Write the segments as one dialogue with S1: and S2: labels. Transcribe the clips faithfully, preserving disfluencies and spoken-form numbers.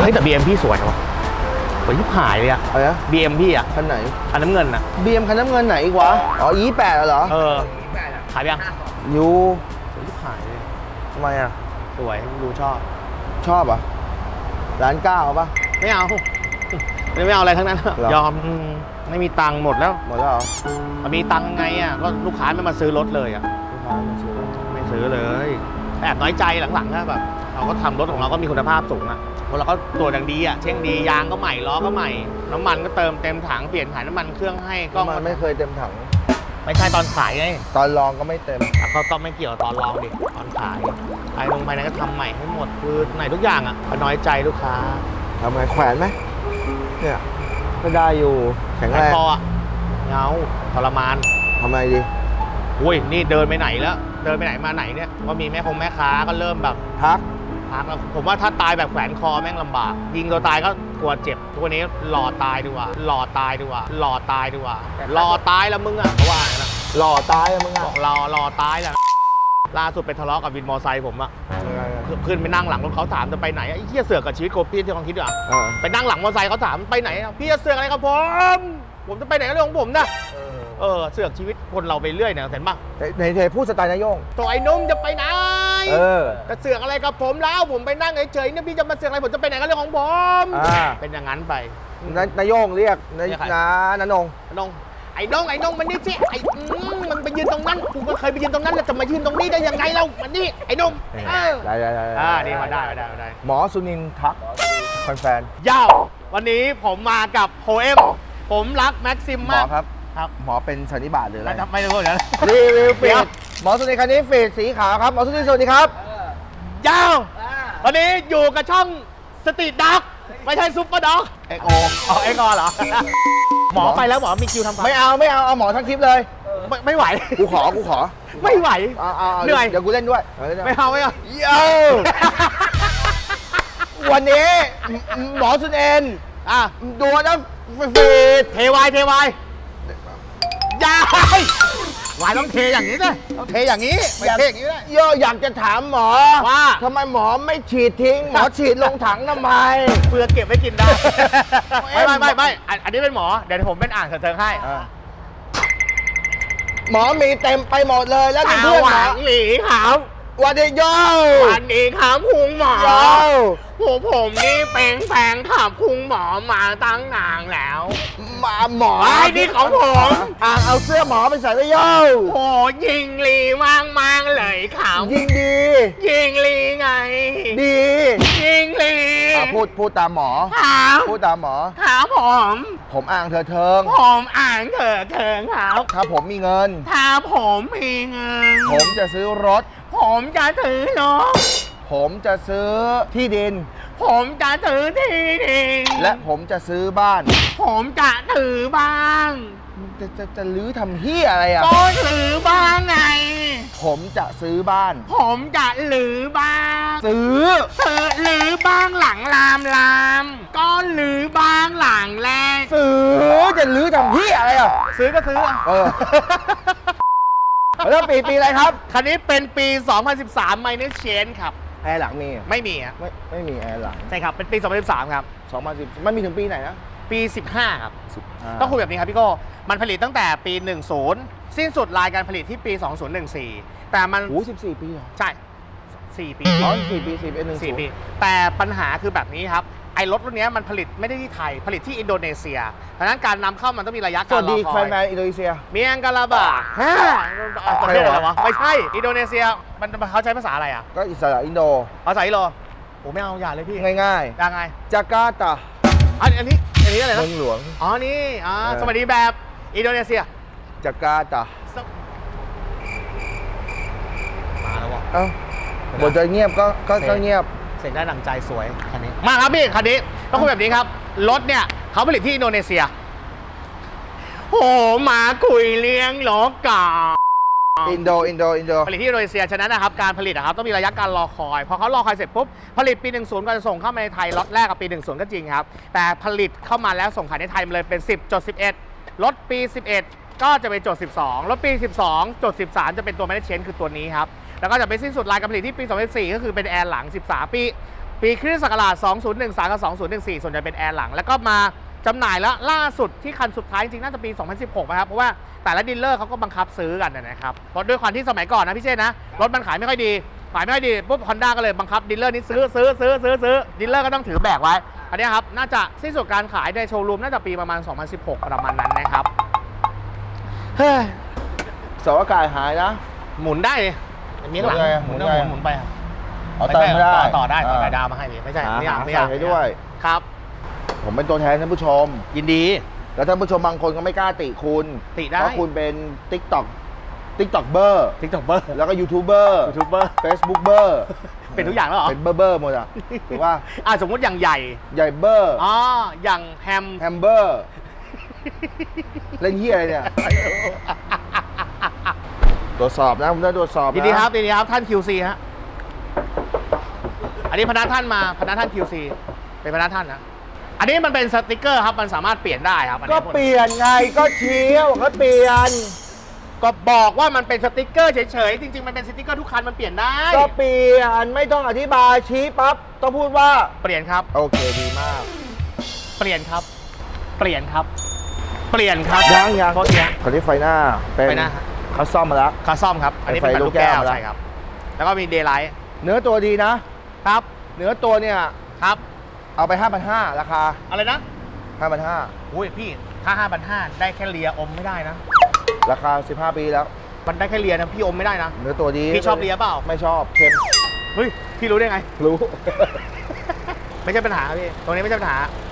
S1: ฮ้ยแต่ บี เอ็ม พี่สวยว่ะสวยที่หายเลยอะ
S2: อะไรนะ
S1: บี เอ็ม พี่อะ
S2: คันไหน
S1: คันน้ำเงินอะ
S2: บี เอ็มคันน้ำเงินไหนอีกวะอ๋อ อี แปดเหรอ
S1: เออขายยัง
S2: ยู
S1: สวยที่หายเลย
S2: ทำไมอ่ะ
S1: สวยดูชอบ
S2: ชอบอ่ะร้านเก้าป่ะ
S1: ไม่เอาไม่เอาอะไรทั้งนั้น
S2: หรอ
S1: ยอมอืมไม่มีตังค์หมดแล้ว
S2: หมดแล้วเหรอ
S1: มันมีตังค์ไงอ่ะก็ลูกค้าไม่มาซื้อรถเลยอ่ะ
S2: ลูกค้ามาซื้อ
S1: ไม่ซื้อเลยแอบน้อยใจหลังๆก็แบบเราก็ทำรถของเราก็มีคุณภาพสูงอ่ะเพราะเราก็ตรวจอย่างดีอ่ะเช็คดียางก็ใหม่ล้อก็ใหม่น้ำมันก็เติมเต็มถังเปลี่ยนถ่ายน้ำมันเครื่องให้ก็
S2: มันไม่เคยเต็มถัง
S1: ไม่ใช่ตอนขายไง
S2: ตอนลองก็ไม่เต็ม
S1: อ่ะเขาก็ไม่เกี่ยวตอนลองดิตอนขายภายลงภายในก็ทำใหม่ให้หมดคือไหนทุกอย่างอ่ะก็น้อยใจลูกค้า
S2: ทำไงแขวนไหมเนี่ยก็ได้อยู่แข็ง
S1: แล้
S2: แร
S1: ว
S2: ง
S1: พออ่ะเงาทรมาน
S2: ทำไงดี
S1: อุ้ยนี่เดินไปไหนแล้วเดินไปไหนมาไหนเนี่ยก็มีแม่คงแม่ค้าก็เริ่มแบบ
S2: พัก
S1: พักแล้วผมว่าถ้าตายแบบแขวนคอแม่งลำบากยิงตัวตายก็กลัวเจ็บทุกวันนี้หล่อตายดีกว่าหล่อตายดีกว่าหล่อตายดีกว่าหล่อตายแล้วมึงอ่ะเขาว่าอย่างนั้นนะ
S2: หล่อตายอะมึง
S1: บ
S2: อ่ะ
S1: อกรอรอตายแหละล่าสุดไปทะเลาะกับวินมอไซค์ผมอะขึ้นไปนั่งหลังรถเขาถามจะไปไหนไอ้เหี้ยเสือกกับชีวิตโคพี่ที่ลองคิดดูอะ
S2: เออ
S1: ไปนั่งหลังมอไซค์เขาถามไปไหนอะพี่จะเสือกอะไรกับผมผมจะไปไหนก็เรื่องของผมนะเออเสือกชีวิตคนเราไปเรื่อยเนี่ยเห็นปะ
S2: ไหนไหนพูดสไตล์นายโยง
S1: ตัวไอ้นุ่มจะไปไหน
S2: เออ
S1: จะเสือกอะไรกับผมแล้วผมไปนั่งเฉยๆเนี่ยพี่จะมาเสือกอะไรผมจะไปไหนก็เรื่องของผม
S2: อ่า
S1: เป็นอย่างนั้นไป
S2: นายนายโยงเรียกนาย
S1: เรียกใคร
S2: นานันง
S1: น้องไอ้น้องไอ้น้องมันนี่สิไอ้อืมมันไปยืนตรงนั้นกูก็เคยไปยืนตรงนั้นแล้วจะมายืนตรงนี้ได้ยังไงเล่ามันนี่ไอ้น้องเออ
S2: ได้ได้ได้
S1: อ่านี่มาได้มาได้มาได้
S2: หมอสุนินทักแฟน
S1: ยาววันนี้ผมมากับโฮเอ็มผมรักแม็กซิม
S2: ๆหม
S1: มา
S2: อก ครับ
S1: ครับ
S2: หมอเป็นสันนิบาตหรืออะไร
S1: ไม่รู้เดี๋ยว
S2: รีวิวฟี
S1: เดี๋ยว
S2: ดหมอสุนินคันนี้ฟีดสีขาวครับหมอสุนินสวัสดีครับ
S1: ยาววันนี้อยู่กับช่องสตรีทด็อกไม่ใช่ซุปเปอร์ด็อก
S2: เอ็กโอ
S1: อ๋อเอ็กอเหรอ หมอไปแล้วหมอมีคิวทำฟัน
S2: ไม่เอาไม่เอาเอาหมอทั้งคลิปเลย
S1: ไม่ไม่ไหว
S2: กูขอกูขอ
S1: ไม่ไหว
S2: เอาเอาเอา
S1: เหนื่อย
S2: เดี๋ยวกูเล่นด้วยเอาเล่นด้วย
S1: ไม่เอาไม่เอา
S2: โย่วันนี้หมอสุนิน
S1: อ่ะ
S2: ดูนะฟีด
S1: เทวายเทวายยายวายต้องเทอย่างนี้ด้วยต้องเทอย่างนี้ไม่เทอย่างนี้ไม่ได้
S2: โย่อยากจะถามหมอ
S1: ว่า
S2: ทำไมหมอไม่ฉีดทิ้ง หมอฉีดลงถังทำไม
S1: เพื่อเก็บไว้กินได้
S2: เอ็
S1: ไม่
S2: ม
S1: ไม่ไม่ไม่อันอันนี้เป็นหมอเดี๋ยวผมเป็นอ่านเถิงให้
S2: หมอมีเต็มไปหมดเลยแล้ว
S1: สา
S2: เพื่อน
S1: ว
S2: หม
S1: ห
S2: อ
S1: วังหลีขาว
S2: วันนี้โย่
S1: วันนี้ครับคุณหมอ
S2: โย่
S1: โอ้ผมนี่เป็นแฟนขับคุณหมอมาตั้งนานแล้ว
S2: มาหมอ
S1: ไอ้นี่ของผม
S2: อ่ะเอาเสื้อหมอไปใส่ไว้โย่
S1: โอ้ยิงลีมากมากๆเลยครับ
S2: ยิงดี
S1: ยิงลีไง
S2: ดี
S1: ยิงลี
S2: อ่ะพูดพูดตามหมอ
S1: ครับ
S2: พูดตามหมอ
S1: ครับผม
S2: ผมอ่างเธอเทิง
S1: ผมอ่านเถิดเถิงครับ
S2: ถ้าผมมีเงิน
S1: ถ้าผมมีเงิน
S2: ผมจะซื้อรถ
S1: ผมจะถือรถ
S2: ผมจะซื้อที่ดิน
S1: ผมจะถือที่ดิน
S2: และผมจะซื้อบ้าน
S1: ผมจะถือบ้าง
S2: จะจะจะลื้อทำเฮียอะไรอ่ะ
S1: ก็ถือบ้างไง
S2: ผมจะซื้อบ้าน
S1: ผมจะหรือบ้าง
S2: ซื้อ
S1: เธอหรือบ้างหลังลามลามก็หรือบ้างหลังแรก
S2: ซื้อจะลื้อทำเฮียอะไรอ่ะ
S1: ซื้อก็ซื้ออ่ะ
S2: เออ แล้วปีปีอะไรครับ
S1: คันนี้เป็นปี สองพันสิบสาม Minor Change ครับ
S2: แอร์หลังมี
S1: ไม่มีอ่ะ
S2: ไม่ไม่มีแอร์หลัง
S1: ใช่ครับ เป็นปี สองพันสิบสาม ครับ
S2: สองพันสิบมันมีถึงปีไหนนะ
S1: ปี สิบห้า ครับ
S2: า
S1: ต้องคุยแบบนี้ครับพี่โก้ มันผลิตตั้งแต่ปี สิบ สิ้นสุดรายการผลิตที่ปี สองพันสิบสี่ แต่มัน
S2: โอ้สิบสี่ปีเหรอ
S1: ใช่ สี่ปี
S2: อ๋อสี่ปีสี่ปีหนึ่ง
S1: สี่ปี แต่ปัญหาคือแบบนี้ครับ ไอ้รถรุ่นนี้มันผลิตไม่ได้ที่ไทย ผลิตที่อินโดนีเซียเพราะฉะนั้นการนำเข้ามันต้องมีระยะ
S2: ส
S1: การ
S2: วัส
S1: รอ
S2: ดี
S1: ค
S2: แฟ
S1: อย
S2: นแฟนอินโดนีเซีย
S1: เมียงกาลาบาฮะประเทศอะไรวะ ไม่ใช่ อินโดนีเซีย มันเขาใช้ภาษาอะไรอ่ะ
S2: ก็อิสระอินโด
S1: ภาษาอิโรโอ้ไม่เอาอย่าเลยพี่
S2: ง่าย
S1: ยังไง
S2: ๆ จาการ์ตา
S1: อันอันนี้ อันนี้อะไร
S2: เมื
S1: นะ
S2: องหลวง
S1: อ๋อ นี่อ่า
S2: เออ
S1: สวัสดีแบบอินโดนีเซีย
S2: จาการ์ตา
S1: มาแล้ววะ
S2: เอ้าบทจะเงียบก็ก็ก็เงียบ
S1: เสียงได้ดังใจสวยคันนี้มาครับพี่คันนี้ต้องคุยแบบนี้ครับรถเนี่ยเขาผลิตที่อินโดนีเซียโอ้มาคุยเลี้ยงรถก่อน
S2: อินโดอินโดอินโด
S1: ผลิตที่อินโดนีเซียฉะนั้นนะครับการผลิตนะครับต้องมีระยะการรอคอยพอเขารอคอยเสร็จปุ๊บผลิตปีหนึ่งศูนย์ก็จะส่งเข้ามาในไทยล็อตแรกกับปีหนึ่งศูนย์ก็จริงครับแต่ผลิตเข้ามาแล้วส่งขายในไทยมันเลยเป็น สิบจุดสิบเอ็ด รถปีสิบเอ็ดก็จะเป็นจดสิบสองรถปีสิบสองจดสิบสามจะเป็นตัว Minor Change คือตัวนี้ครับแล้วก็จะไปสิ้นสุดรายการผลิตที่ปีสองพันสิบสี่ก็คือเป็นแอร์หลังสิบสามปีปีคริสตศักราชสองพันสิบสามกับสองพันสิบสี่ส่วนใหญ่เป็นแอร์หลังแล้วก็มาจำหน่ายแล้วล่าสุดที่คันสุดท้ายจริงๆน่าจะปีสองพันสิบหกนะครับเพราะว่าแต่ละดีลเลอร์เขาก็บังคับซื้อกันนะครับเพราะด้วยความที่สมัยก่อนนะพี่เชษนะรถมันขายไม่ค่อยดีขายไม่ค่อยดีปุ๊บฮอนด้าก็เลยบังคับดีลเลอร์นี้ซื้อซื้อซื้อซื้อซื้อดีลเลอร์ก็ต้องถือแบกไว้อันนี้ครับน่าจะสิ้นสุดการขายในโชว์รูมน่าจะปีประมาณสองพันสิบหกประมาณนั้นนะครับเฮ้ย
S2: เสาอากาศหายนะ
S1: หมุนได้เลยมีข้างหลัง
S2: หมุน
S1: ห
S2: ไง
S1: มุนหมุนหมุนไปครับ
S2: เอาเติมไม่ได้
S1: ต่อต่อได้ต่อได้ดาวมาให้พี่ไม่ใช่
S2: หา
S1: ไม่อยาก
S2: หา
S1: ไม่อยาก
S2: ใส่ให้ด้วย
S1: ครับ
S2: ผมเป็นตัวแทนท่านผู้ชม
S1: ยินดี
S2: แล้วท่านผู้ชมบางคนก็ไม่กล้าติคุณ
S1: ติได้
S2: เพราะคุณเป็น TikTok TikTok เบอร์
S1: ทิกตอกเบอร์
S2: แล้วก็ยูทูบเบอร์
S1: ยูทูบเบอร์
S2: Facebook เบอร์
S1: เป็นทุกอย่างแล้วเหรอ
S2: เป็นเบอร์เบอร์หมดอ่ะถูกป่ะ
S1: อ่ะสมมติอย่างใหญ่
S2: ใหญ่เบอร์
S1: อ๋ออย่างแฮม
S2: แฮมเบอร์เล่นเฮียอะไรเนี่ยตรวจสอบนะผมได้ตรวจสอบนะ
S1: ยินดีครับยินดีครับท่าน คิว ซี ฮะอันนี้พนักท่านมาพนักท่าน คิว ซี เป็นพนักท่านนะอันนี้มันเป็นสติกเกอร์ครับมันสามารถเปลี่ยนได้ครับอัน
S2: ก็
S1: นี้
S2: เปลี่ยนไงก็เชี้ก็เปลี่ยน
S1: ก็บอกว่ามันเป็นสติกเกอร์เฉยๆจริงๆมันเป็นสติกเกอร์ทุกคันมันเปลี่ยนได้
S2: ก็เปลี่ยนไม่ต้องอธิบายชี้ปั๊บต้องพูดว่า
S1: เปลี่ยนครับ
S2: โอเคดีมาก
S1: เปลี่ยนครับ เปลี่ยนครับ เปลี่ยนครับ
S2: ยังยัง
S1: โทษทีฮะ
S2: คราวนี้ไฟหน้าเป็น
S1: ไฟหน้าฮะ
S2: เขาซ่อมมาแล้ว
S1: คาซ่อมครับ อันนี้เป็น
S2: ไฟ
S1: แบบ
S2: ลู
S1: ลู
S2: ก
S1: กแก้ว
S2: แก้ว
S1: ใช่ครับ แล้วก็มีเดย์ไลท์
S2: เนื้อตัวดีนะ
S1: ครับ
S2: เนื้อตัวเนี่ย
S1: ครับ
S2: เอาไป ห้าพันห้าร้อย ราคา
S1: อะไรนะ
S2: ห้าพันห้า
S1: อุ้ยพี่ถ้าห้าพันห้าได้แค่เลียอมไม่ได้นะ
S2: ราคาสิบห้าปีแล้ว
S1: มันได้แค่เลียนะพี่อมไม่ได้นะ
S2: เนื้อตัวดี
S1: พี่ชอบเลียเปล่า
S2: ไม่ชอบเค็ม
S1: เฮ้ยพี่รู้ได้ไง
S2: รู้
S1: ไม่ใช่ปัญหาครับพี่ตรงนี้ไม่ใช่ปัญหา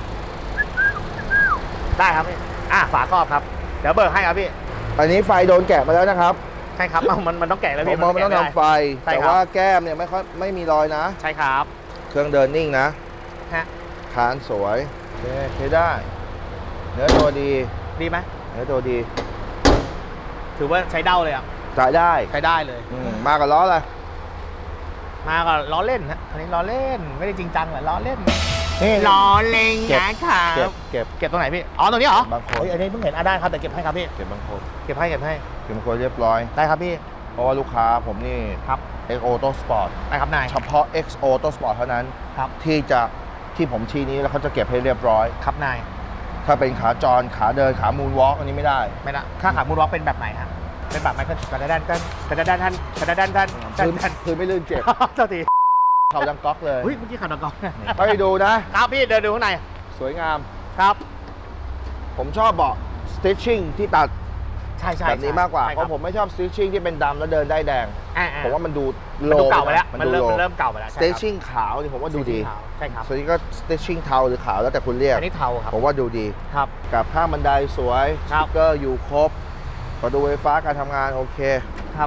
S1: ได้ครับพี่อ่ะฝาครอบครับ เดี๋ยวเบิกให้ครับพี่
S2: อันนี้ไฟโดนแกะมาแล้วนะครับ
S1: ใช่ครับเอามันมันต้องแกะแล้ว
S2: ผ
S1: พี่
S2: มมองมันต้อง
S1: แกะ
S2: ทำไฟ
S1: ใช่
S2: แต่
S1: ครับ
S2: ว่าแก้มเนี่ยไม่ค่อยไม่มีรอยนะ
S1: ใช่ครับ
S2: เครื่องเดินนิ่งนะ
S1: ฮะ
S2: ฐานสวยโอเคใช้ได้ เนื้อตัวดี
S1: ดีไหม
S2: เนื้อตัวดี
S1: ถือว่าใช้เด้าเลยอ่ะ
S2: จ่ายได้
S1: ใช้ได้เลย
S2: อืมมากับล้ออะไร
S1: มาก็ล้อเล่นนะอันนี้ล้อเล่นไม่ได้จริงจังแหละล้อเล่น
S2: นี่
S1: ล้อเล่น
S2: เก็บ
S1: นะครับ
S2: เก็บเก็บ
S1: เก็บตรงไหนพี่อ๋อตรงนี้เหรอบ
S2: างคน
S1: เฮ้ยอันนี้เพิ่งเห็นอ่ะได้ครับแต่เก็บให้ครับพี่
S2: เก็บบางคน
S1: เก็บให้เก็บให้
S2: เก็บบางคนเรียบร้อย
S1: ได้ครับพี่
S2: เพราะว่าลูกค้าผมนี่
S1: ครับ
S2: X Auto Sport
S1: ได้ครับนาย
S2: เฉพาะ X Auto Sport เท่านั้น
S1: ครับ
S2: ที่จะที่ผมชี้นี้แล้วเขาจะเก็บให้เรียบร้อย
S1: ครับนาย
S2: ถ้าเป็นขาจรขาเดินขามูนวอล์กอันนี้ไม่ได้
S1: ไม่นะค่าขามูลวอล์กเป็นแบบไหนฮะเป็นแบบไหนก็กระดานกันกระดานท่านกระดานท่านกระ
S2: พื้น
S1: ดาน
S2: พื้นไม่ลื่นเจ็บ
S1: เจ้าที
S2: เขาดังก๊อกเลย
S1: เฮ้ยเมื่อกี้ขาดกอง
S2: ไปดูนะ
S1: ครับพี่เดินดูข้างใน
S2: สวยงาม
S1: ครับ
S2: ผมชอบเบาะ stitching ที่ตัด
S1: ใช่ใช่
S2: แบบนี้มากกว่า
S1: ใช่
S2: เพ
S1: คบ
S2: ราะผมไม่ชอบ stitching ที่เป็นดำแล้วเดินได้แดง
S1: อ่ๆ
S2: ผมว่ามันดู
S1: มัน
S2: โล
S1: ดูเก่าไปแล้ว
S2: มั
S1: มัน
S2: ดู
S1: เริ่ม
S2: โล
S1: มันเริ่มเก่าไปแล้วใช่ครับ
S2: stitching ขาวนี่ผมว่าดูดี
S1: สีขาวใช่ครับ
S2: ส่วนนี้ก็ stitching เทาหรือขาวแล้วแต่คุณเรียก
S1: อันนี้เทาครับ
S2: ผมว่าดูดี
S1: ครับ
S2: กับข้างบันไดสวยส
S1: ครับ
S2: ติ๊กเกอร์อยู่ครบประตูไฟฟ้าการทำงานโอเค
S1: ครับ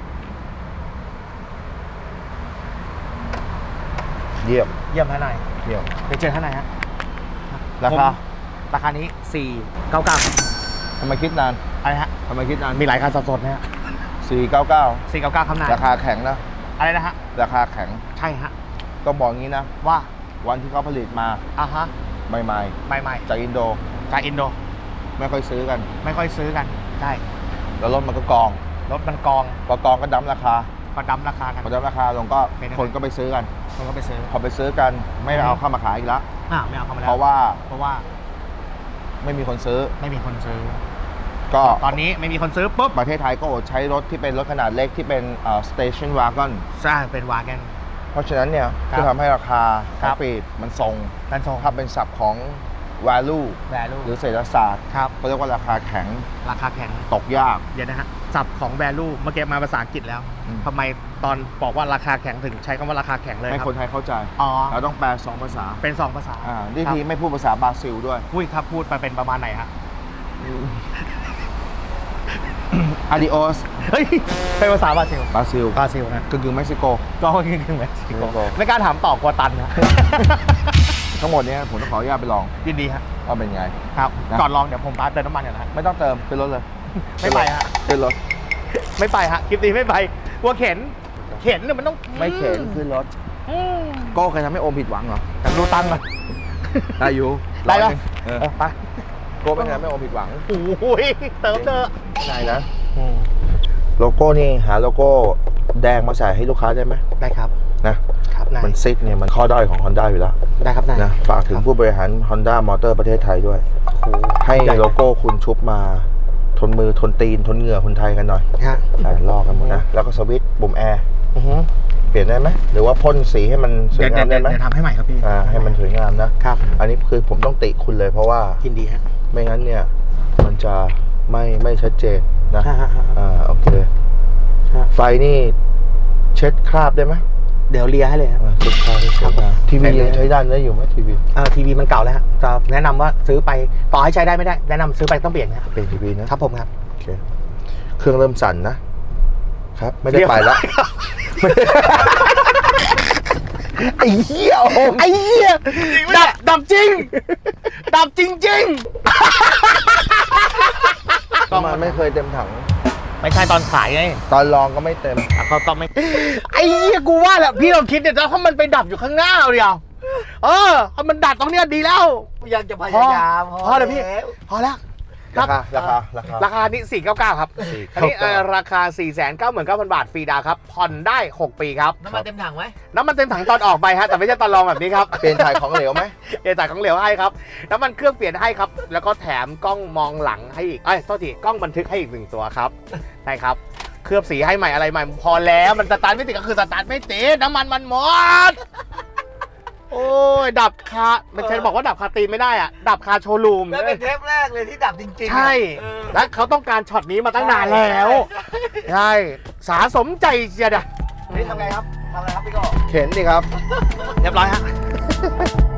S2: เยี่ยม
S1: เยี่ยมท่านนาย
S2: เยี่ยม
S1: ไปเจอท่านนายฮะ
S2: ราคา
S1: ผมราคานี้สี่เก้าเก้า
S2: ทำไมคิดนาน
S1: อะไรฮะ
S2: ทำไมคิดนาน
S1: มีหลายคันสดๆนะฮะ
S2: สี่เก้าเก้า
S1: สี่เก้าเก้าครับนาย
S2: ราคาแข็งนะ
S1: อะไรนะฮะ
S2: ราคาแข็ง
S1: ใช่ฮะ
S2: ต้องบอกงี้นะ
S1: ว่า
S2: วันที่เขาผลิตมา
S1: อ่ะฮะ
S2: ใหม่
S1: ใหม่
S2: ๆจากอินโด
S1: ๆจากอินโด
S2: ไม่ค่อยซื้อกัน
S1: ไม่ค่อยซื้อกันใช่
S2: แล้วรถมันก็กอง
S1: รถมันกอง
S2: พอกองก็ดั้มราคา
S1: ก็ดั้มราคากัน
S2: พอดั้มราคาลงก็
S1: เป็นยังไง
S2: คนก็ไปซื้อกัน
S1: คนก็ไปซื้อ
S2: พอไปซื้อกันไม่เอาเข้ามาขายอีกแล้ว
S1: อ่าไม่เอาเข้ามาแล้ว
S2: เพราะว่า
S1: เพราะว่า
S2: ไม่มีคนซื้อ
S1: ไม่มีคนซื้อ
S2: ก็
S1: ตอนนี้ไม่มีคนซื้อปุ๊บ
S2: ประเทศไทยก็อดใช้รถที่เป็นรถขนาดเล็กที่เป็นเอ่อ station wagon
S1: สร้างเป็นวาแกน
S2: เพราะฉะนั้นเนี่ย
S1: ครับ
S2: ก็ทำให้ราคา
S1: ครั
S2: คา
S1: บ
S2: ฟีดมันทรง
S1: การส่ง
S2: ถ้าเป็นศัพท์ของ value
S1: แวลู
S2: หรือเศรษฐศาสตร์
S1: ครับ
S2: เขาเรียกว่าราคาแข็ง
S1: ราคาแข็ง
S2: ตกยาก
S1: เดี๋ยวนะฮะศัพท์ของ value เมื่อกี้มาภาษาอังกฤษแล้ว
S2: อืม
S1: ทำไมตอนบอกว่าราคาแข็งถึงใช้คำว่าราคาแข็งเลย
S2: ให้
S1: ครับ
S2: คนไทยเข้าใจ
S1: อ๋อ
S2: เราต้องแปลสองภาษา
S1: เป็นสองภาษา
S2: อ่านี่
S1: ครับ
S2: ทีไม่พูดภาษาบราซิลด้วย
S1: พูดครับพูดไปเป็นประมาณไหนฮะ
S2: adios
S1: เฮ้ยเป็นภาษาบราซิล
S2: บราซิล
S1: บราซิลนะ
S2: กึ่งกึ่งๆเม็กซิโก
S1: ก็คือคือเม็กซิโก
S2: เม็กซิโก
S1: ไม่กล้าถามต่อกลัวตันนะ
S2: ทั้งหมดเนี้ผมต้องขออนุญาตไปลอง
S1: ยินดีฮะ
S2: ว่าเป็นไง
S1: ครับ
S2: นะ
S1: ก่อนลองเดี๋ยวผมพาเติมน้ำมันก่อนนะฮะ
S2: ไม่ต้องเติมขึ้นรถเลย
S1: ไม่ไปฮะ
S2: ขึ้นรถ
S1: ไม่ไปฮะคลิปนี้ไม่ไปกลัวเข็น เข็นเนี่ยมันต้อง
S2: ไม่เข็นขึ้นรถ
S1: อืม
S2: โก้เคยทำให้โอมผิดหวังเหรอ
S1: แต่ดูตังค์ก่อน
S2: ได้อยู่
S1: ได้ปะ
S2: เออ
S1: เออไป
S2: โก้ไม่เคยทำให้โอมผิดหวัง
S1: โอ้ยเติมเถอะ
S2: ไหนนะโลโก้นี่หาโลโก้แดงมาใส่ให้ลูกค้าได้ไหม
S1: ได้ครับ
S2: นะครับ
S1: นาย
S2: มันซิกเนี่ยมันข้อด้อยของ Honda อยู่แล้ว
S1: ได้ครับนาย
S2: นะฝากถึงผู้บริหาร Honda Motor ประเทศไทยด้วย
S1: โอ้โห
S2: ให้
S1: ญ่
S2: โลโก้คุณชุบมาทนมือทนตีนทนเหงื่อคนไทยกันหน่อย
S1: ฮะ
S2: ใช่ลอกกันหมดนะ แล้วก็สวิตช์ปุ่มแอร์
S1: อือฮึ
S2: เปลี่ยนได้ไหมหรือว่าพ่นสีให้มันสว
S1: เดี๋ย
S2: ยว งาม
S1: เดี๋
S2: ได้
S1: ยว
S2: ไหม
S1: เดี๋ยวทำให้ใหม่ครับพี่
S2: อ่าให้มันสวยงามนะครับ อันนี้คือผมต้องติคุณเลยเพราะว่า
S1: ยินดีฮะ
S2: ไม่งั้นเนี่ยมันจะไม่ไม่ชัดเจนนะ
S1: ฮะฮะฮะ
S2: อ่าโอเค
S1: ฮะ
S2: ไฟนี่เช็ดคราบได้ไหม
S1: เดี๋ยวเลียให้เลยครับ
S2: อ่าเช็ดคราบให้สวยงามทีวียังใช้ได้ได้อยู่ไหมทีวี
S1: เอ่อทีวีมันเก่าแล้วฮะจะแนะนำว่าซื้อไปต่อให้ใช้ได้ไม่ได้แนะนำซื้อไปต้องเปลี่ยนนะ
S2: เป็นทีวีนะครับ
S1: ผมครับ
S2: โอเคเครื่องเริ่มสั่นนะครับไม่ได้ไปแล้ว ไอ้เหี้ยโอม
S1: ไอ้เหี้ยดับดับจริง ดับจริงจริง
S2: ก็มันไม่เคยเต็มถัง
S1: ไม่ใช่ตอนขายไง
S2: ตอนลองก็ไม่เต็ม
S1: เขาก็ไม่ ไอ้เหี้ยกูว่าแหละพี่ลองคิดเนี่ยถ้ามันไปดับอยู่ข้างหน้าเดียวเออถ้ามันดับตรงเนี้ยดีแล้ว
S3: ยังจะพยายาม
S1: พอเลยพี่ พอแล้วค
S2: รา
S1: รับ
S2: คาราคาราคา
S1: ราคานี้สี่เก้าเก้าครับ อันนี้เอ่อราคา สี่แสนเก้าหมื่นเก้าพัน บาทฟรีดาวน์ครับผ่อนได้หกปีครับ
S3: น้ำมันเต็มถังไหม
S1: น้ำมันเต็มถังตอนออกไปฮะแต่ไม่ใช่ตอนลองแบบนี้ครับ
S2: เปลี่ยนถ่ายของเหลวไหม
S1: เปลี่ยนจ่ายของเหลวให้ครับน้ำมันเครื่องเปลี่ยนให้ครับ แล้วก็แถมกล้องมองหลังให้อีกเอ้ยโทษทีกล้องบันทึกให้อีกหนึ่งตัวครับใช่ครับเคลือบสีให้ใหม่อะไรใหม่พอแล้วมันสตาร์ทไม่ติดก็คือสตาร์ทไม่ติดน้ำมันมันหมดโอ้ยดับคามันใช่บอกว่าดับคาตีนไม่ได้อะดับคาโชว์รูม
S3: แล้วเป็นเทปแรกเลยที่ดับจริงๆ
S1: ใช่
S3: เออ
S1: และเขาต้องการช็อตนี้มาตั้งนานแล้วใช่สาสมใจเชียดะ
S3: นี่ทำไงครับทำอะไรครับพี่โก้
S2: เข็นดิครับ
S1: เรียบร้อยฮะ